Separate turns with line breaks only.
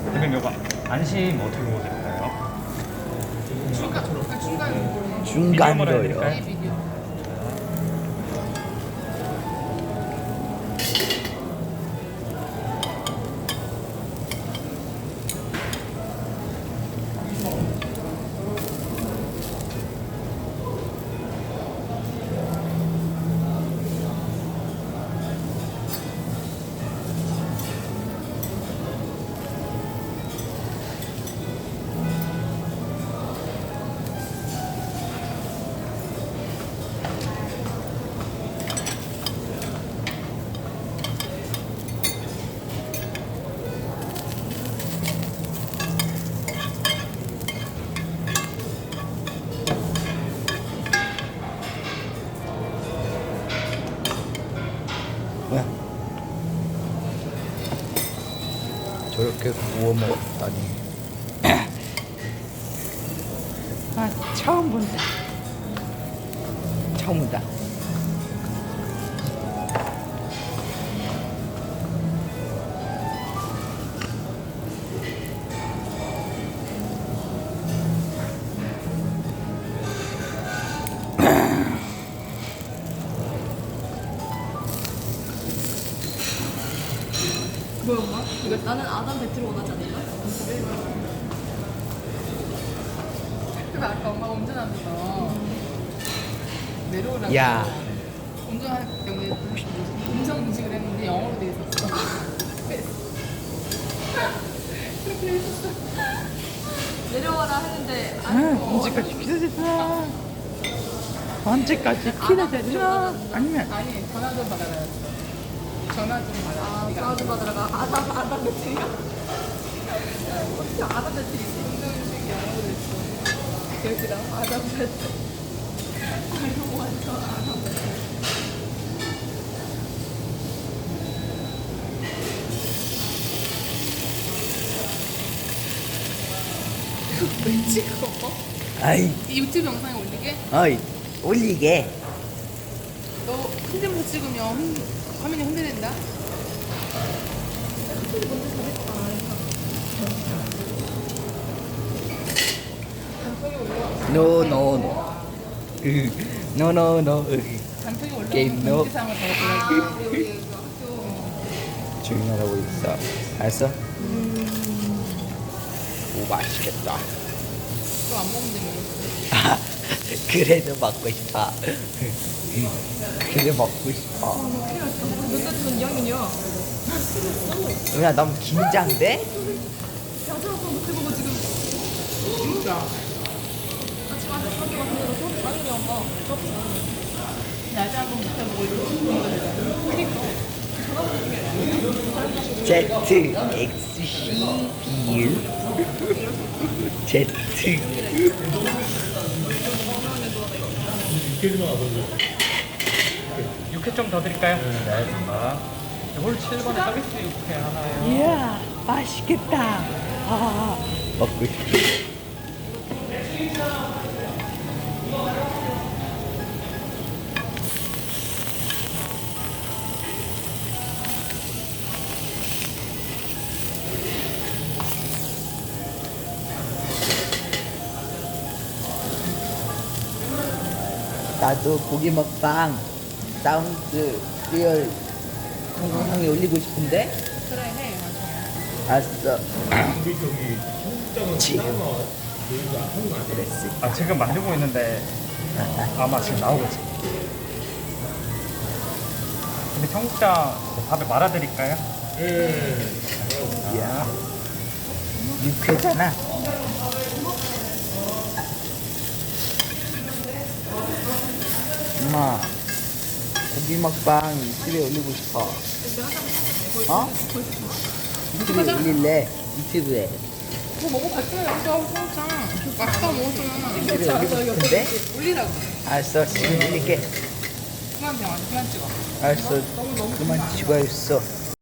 대표님 이거 안심 어떻게 먹어도 될까요? 미디엄으로 해야
중간으로요.
될까요?
뭐야? 저렇게 구워 먹었다니. 아, 처음 본다. 처음 본다.
뭐야 엄마? 이거 나는 아담 배트를 원하지 않는다?
근데 아까 엄마가 운전하면서 내려오라고
야.
운전할 경우에 음성 인식을 했는데 영어로 돼 있었어. 그렇게 돼 있었어.
내려와라 했는데
언제까지 기다렸어? 언제까지 기다렸어? 아니면
아니 전화 좀 받아라. 전화 좀 받아라.
아
네가
전화 좀 받으라가 아담 배트리야? 어떻게 아담 배트리 있지?
음성 인식 영어로 돼 있어.
여기다 아담 배트 아이고 완전 아담 배트
왜 찍어?
아이,
이 유튜브 영상에 올리게?
어이, 올리게.
너 핸드폰 찍으면 화면이 흔들린다?
No, no, no. No, no, no.
단톡이
게임
올라오는
노.
공지사항을 더
아
보여줘.
우리 그 학교
조용히 하라고 있어. 알았어? 오, 맛있겠다.
또안 먹는다며.
아, 그래도 먹고 싶어. 그래 먹고 싶어.
몇 살이면 2학년이야
야, 너무 긴장돼?
야자가 못해 보고 지금
진짜.
아침 아들 학교 같은 데로 수업 당연히 엄마
낮에 한번 붙여보고 이렇게
ZXCBU Z
육회 좀 더 드릴까요? 네, 알겠습니다. 홀 7번에 서비스 육회 하나요.
이야, 맛있겠다. 아, 먹고 싶어. 나도 고기 먹방 사운드 리얼 동영상에 올리고 싶은데.
그래 해.
알았어. 지금 그랬어.
아, 지금 만들고 있는데 아마 지금 나오겠지. 근데 청국장 밥에 말아드릴까요?
야, 육회잖아. 엄마, 고기 먹방 유튜브에 올리고 싶어. 어? 유튜브에 올릴래? 유튜브에.
뭐 먹어봤어요? 여기서 청국장. 맛있다고 먹었잖아.
유튜브에 올리고 싶은데?
올리라고.
알았어, 지금 올릴게.
그만 병원 그만 찍어.
알았어, 그만 찍어야겠어.